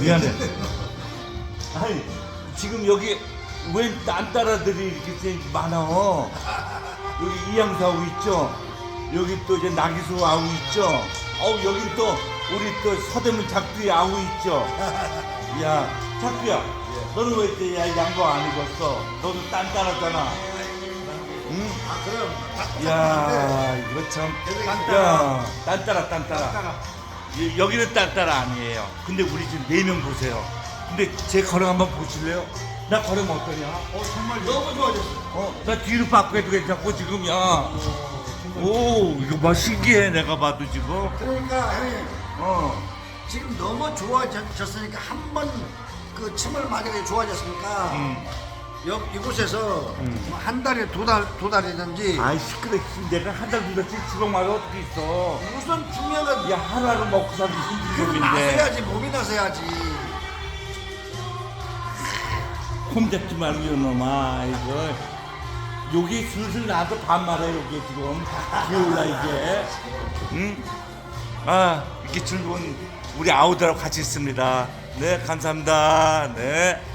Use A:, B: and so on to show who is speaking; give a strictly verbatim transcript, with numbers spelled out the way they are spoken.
A: 미안해. 아니 지금 여기 웬 딴따라들이 이렇게 많아. 여기 이양수 하고 있죠. 여기 또 이제 나기수 하고 있죠. 어우 여기 또 우리 또 서대문 작두이 하고 있죠. 야 작두야, 너는 왜 이때 야 양복 안 입었어? 너도 딴따라잖아. 응?
B: 아, 그럼.
A: 야 이거 참. 야 딴따라 딴따라. 이- 여기는 딴따라 아니에요. 근데 우리 지금 네 명 보세요. 근데 제 걸음 한번 보실래요? 나 걸음 어떠냐?
B: 어, 정말 너무 좋아졌어.
A: 어, 나 뒤로 바꿔도 괜찮고 지금 야. 오, 이거 뭐 신기해 내가 봐도 지금.
B: 그러니까 형님,
A: 어.
B: 지금 너무 좋아졌으니까 한 번 그 침을 맞게 좋아졌으니까
A: 음.
B: 여, 이곳에서 뭐한 달에 두 달, 두 달이든지
A: 아이 시끄러. 내가 한 달 두달씩 지방마다 어떻게 있어?
B: 무슨 중요한 건
A: 야 하루하루 먹고 살기 힘든
B: 그
A: 일인데.
B: 나서야지, 몸이 나서야지.
A: 폼 잡지 말고 이놈아 이거. 여기 슬슬 나도 반말해 여기 지금. 비올라 이게. 응? 아 이렇게 즐거운 우리 아우들하고 같이 있습니다. 네 감사합니다. 네.